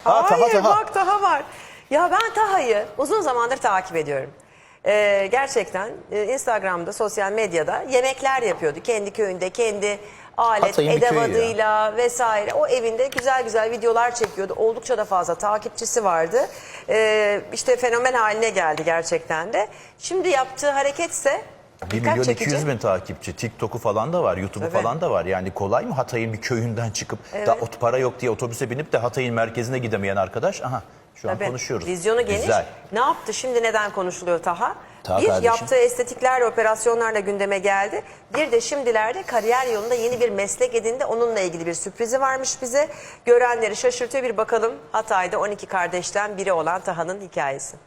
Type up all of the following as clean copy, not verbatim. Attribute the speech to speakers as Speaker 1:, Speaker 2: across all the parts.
Speaker 1: Hayır,
Speaker 2: Taha.
Speaker 1: bak Taha var. Ya ben Taha'yı uzun zamandır takip ediyorum. Gerçekten Instagram'da, sosyal medyada yemekler yapıyordu. Kendi köyünde, kendi alet,
Speaker 2: Hatay'ın bir köyü
Speaker 1: edevadıyla vesaire. O evinde güzel güzel videolar çekiyordu. Oldukça da fazla takipçisi vardı. İşte fenomen haline geldi gerçekten de. Şimdi yaptığı hareketse
Speaker 2: 1 milyon 200 bin takipçi. TikTok'u falan da var, YouTube'u falan da var. Yani kolay mı Hatay'ın bir köyünden çıkıp da para yok diye otobüse binip de Hatay'ın merkezine gidemeyen arkadaş? Aha şu an konuşuyoruz.
Speaker 1: Vizyonu geniş.
Speaker 2: Güzel.
Speaker 1: Ne yaptı şimdi, neden konuşuluyor Taha?
Speaker 2: Taha
Speaker 1: Bir,
Speaker 2: kardeşim,
Speaker 1: yaptığı estetiklerle, operasyonlarla gündeme geldi. Bir de şimdilerde kariyer yolunda yeni bir meslek edindi. Onunla ilgili bir sürprizi varmış bize. Görenleri şaşırtıyor. Bir bakalım Hatay'da 12 kardeşten biri olan Taha'nın hikayesi.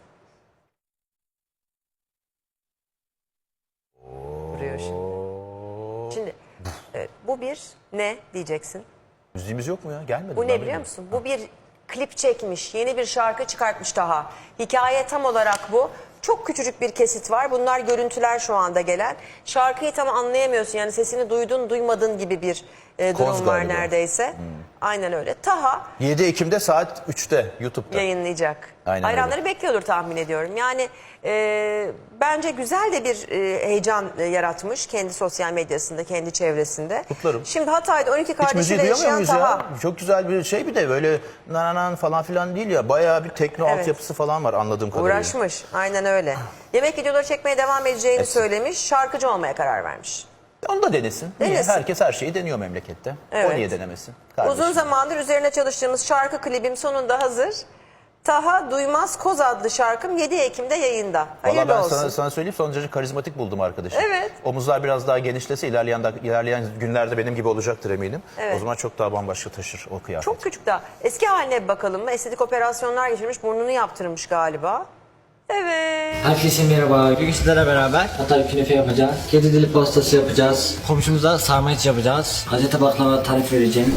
Speaker 1: Vuruyor şimdi. Şimdi bu bir ne diyeceksin?
Speaker 2: müziğimiz yok mu ya? Gelmedi.
Speaker 1: Bu ne biliyor musun? Bu bir klip çekmiş, yeni bir şarkı çıkartmış Taha. Hikaye tam olarak bu. Çok küçücük bir kesit var. Bunlar görüntüler şu anda gelen. Şarkıyı tam anlayamıyorsun. Yani sesini duydun duymadın gibi bir durum var
Speaker 2: galiba.
Speaker 1: Neredeyse. Aynen öyle. Taha
Speaker 2: 7 Ekim'de saat 3'te YouTube'da.
Speaker 1: yayınlayacak.
Speaker 2: Aynen
Speaker 1: Hayranları bekliyordur tahmin ediyorum. Yani bence güzel de bir heyecan yaratmış kendi sosyal medyasında, kendi çevresinde.
Speaker 2: Kutlarım.
Speaker 1: Şimdi Hatay'da 12
Speaker 2: Hiç müziği
Speaker 1: kardeşiyle
Speaker 2: duyamıyor
Speaker 1: yaşayan
Speaker 2: muyuz
Speaker 1: Taha.
Speaker 2: ya? Çok güzel bir şey, bir de böyle nananan falan filan değil ya. Bayağı bir tekno altyapısı falan var anladığım kadarıyla.
Speaker 1: Uğraşmış. Aynen öyle. Yemek videoları çekmeye devam edeceğini söylemiş. Şarkıcı olmaya karar vermiş.
Speaker 2: Onu da denesin. Niye?
Speaker 1: Denesin.
Speaker 2: Herkes her şeyi deniyor memlekette.
Speaker 1: Evet.
Speaker 2: O niye denemesin? Kardeşim.
Speaker 1: Uzun zamandır üzerine çalıştığımız şarkı klibim sonunda hazır. Taha Duymaz Koz adlı şarkım 7 Ekim'de yayında.
Speaker 2: Valla
Speaker 1: Hayırlı
Speaker 2: ben
Speaker 1: olsun.
Speaker 2: sana söyleyeyim, son derece karizmatik buldum arkadaşı.
Speaker 1: Evet.
Speaker 2: Omuzlar biraz daha genişlese ilerleyen günlerde benim gibi olacaktır eminim.
Speaker 1: Evet.
Speaker 2: O zaman çok daha bambaşka taşır o kıyafet.
Speaker 1: Çok küçük daha. Eski haline bir bakalım mı? Estetik operasyonlar geçirmiş, burnunu yaptırmış galiba. Evet.
Speaker 3: Herkese merhaba. Bugün sizlerle beraber Hatay künefe yapacağız. Kedi dili pastası yapacağız. Komşumuza sarma iç yapacağız. Hazreti baklava tarif vereceğim.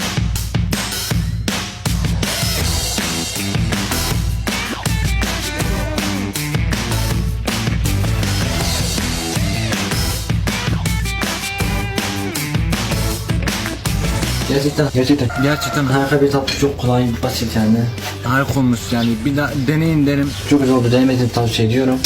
Speaker 3: Gerçekten harika bir tatlı, çok kolay, basit yani. Harika olmuş yani, bir daha deneyin derim. Çok güzel oldu, denemediğimi tavsiye ediyorum.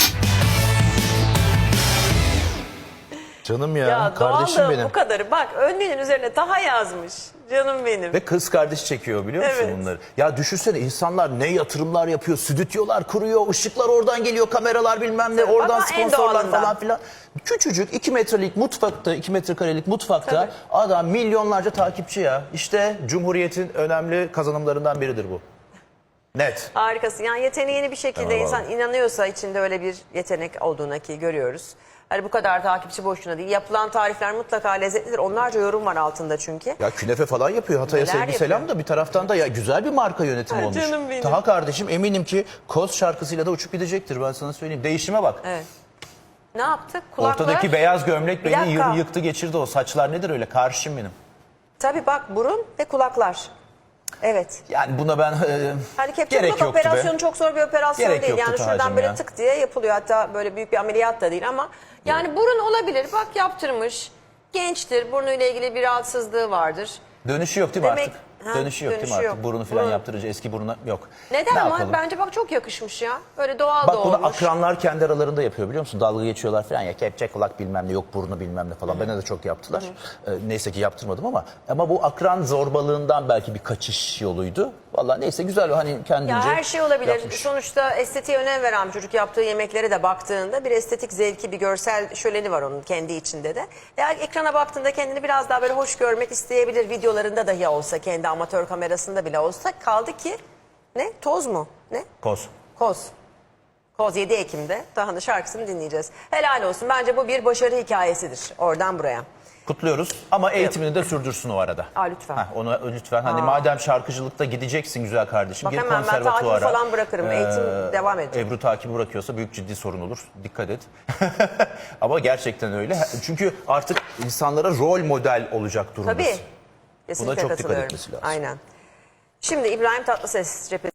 Speaker 2: Canım ya,
Speaker 1: Ya
Speaker 2: kardeşim
Speaker 1: doğal da
Speaker 2: benim.
Speaker 1: bu kadarı. Bak önlüğünün üzerine Taha yazmış. Canım benim.
Speaker 2: Ve kız kardeş çekiyor biliyor musun
Speaker 1: Evet.
Speaker 2: bunları? Ya düşünsene, insanlar ne yatırımlar yapıyor, stüdyolar kuruyor, ışıklar oradan geliyor, kameralar bilmem ne, oradan
Speaker 1: Ama en
Speaker 2: sponsorlar
Speaker 1: doğalından.
Speaker 2: falan filan. Küçücük 2 metrelik mutfakta, 2 metrekarelik mutfakta
Speaker 1: Tabii.
Speaker 2: adam milyonlarca takipçi ya. İşte Cumhuriyet'in önemli kazanımlarından biridir bu. Net.
Speaker 1: Harikasın. Yani yeteneğini bir şekilde
Speaker 2: Tamam,
Speaker 1: insan inanıyorsa içinde öyle bir yetenek olduğuna, ki görüyoruz. Hani bu kadar takipçi boşuna değil. Yapılan tarifler mutlaka lezzetlidir. Onlarca yorum var altında çünkü.
Speaker 2: Ya künefe falan yapıyor. Hatay'a
Speaker 1: Neler
Speaker 2: sevgi selam
Speaker 1: yapıyor?
Speaker 2: da bir taraftan da ya güzel bir marka yönetimi
Speaker 1: Ay,
Speaker 2: olmuş.
Speaker 1: canım benim.
Speaker 2: Taha kardeşim eminim ki Koz şarkısıyla da uçup gidecektir, ben sana söyleyeyim. Değişime bak.
Speaker 1: Evet. Ne yaptık? Kulaklar.
Speaker 2: Ortadaki beyaz gömlek
Speaker 1: Bir
Speaker 2: beni
Speaker 1: dakika.
Speaker 2: yıktı geçirdi, o saçlar nedir öyle, karşım benim.
Speaker 1: Tabii bak, burun ve kulaklar. Evet.
Speaker 2: Yani buna ben
Speaker 1: Hani kepçe
Speaker 2: gerek
Speaker 1: kulak
Speaker 2: yoktu
Speaker 1: operasyonu
Speaker 2: be.
Speaker 1: çok zor bir operasyon
Speaker 2: Gerek
Speaker 1: değil.
Speaker 2: yoktu
Speaker 1: Yani şuradan
Speaker 2: Taha'cığım
Speaker 1: böyle
Speaker 2: ya.
Speaker 1: tık diye yapılıyor. Hatta böyle büyük bir ameliyat da değil ama yani burun olabilir. Bak yaptırmış. Gençtir. Burnuyla ilgili bir rahatsızlığı vardır.
Speaker 2: Dönüşü yok değil mi
Speaker 1: Demek-
Speaker 2: artık?
Speaker 1: Ha,
Speaker 2: Dönüşü yok değil mi
Speaker 1: dönüşü
Speaker 2: artık?
Speaker 1: yok.
Speaker 2: Burunu falan
Speaker 1: Burun.
Speaker 2: yaptırınca eski buruna yok.
Speaker 1: Neden
Speaker 2: Ne
Speaker 1: ama?
Speaker 2: yapalım?
Speaker 1: Bence bak çok yakışmış ya. Böyle doğal
Speaker 2: Bak
Speaker 1: da
Speaker 2: bunu
Speaker 1: olmuş.
Speaker 2: akranlar kendi aralarında yapıyor biliyor musun? Dalga geçiyorlar falan ya, kepçe kulak bilmem ne, yok burnu bilmem ne falan. Bana da çok yaptılar. Neyse ki yaptırmadım ama bu akran zorbalığından belki bir kaçış yoluydu. Vallahi neyse, güzel, hani kendince
Speaker 1: Ya her şey olabilir.
Speaker 2: yapmış.
Speaker 1: Sonuçta estetiğe önem veren bir çocuk, yaptığı yemeklere de baktığında bir estetik zevki, bir görsel şöleni var onun kendi içinde de. Eğer ekrana baktığında kendini biraz daha böyle hoş görmek isteyebilir, videolarında dahi olsa, kendi amatör kamerasında bile olsa. Kaldı ki ne? Toz mu? Ne?
Speaker 2: Koz.
Speaker 1: Koz. Koz 7 Ekim'de Taha'nın şarkısını dinleyeceğiz. Helal olsun. Bence bu bir başarı hikayesidir. Oradan buraya.
Speaker 2: Kutluyoruz ama eğitimini de sürdürsün o arada.
Speaker 1: Lütfen.
Speaker 2: Onu lütfen. Hani madem şarkıcılıkta gideceksin güzel kardeşim,
Speaker 1: Bak
Speaker 2: gir
Speaker 1: hemen ben
Speaker 2: konservatuvara.
Speaker 1: takibi falan bırakırım. Eğitim devam edecek.
Speaker 2: Ebru takibi bırakıyorsa büyük ciddi sorun olur. Dikkat et. Ama gerçekten öyle. Çünkü artık insanlara rol model olacak durumdasın.
Speaker 1: Tabii. Kesinlikle
Speaker 2: Buna çok dikkat
Speaker 1: katılıyorum.
Speaker 2: etmesi lazım.
Speaker 1: Aynen. Şimdi İbrahim Tatlıses cephesi.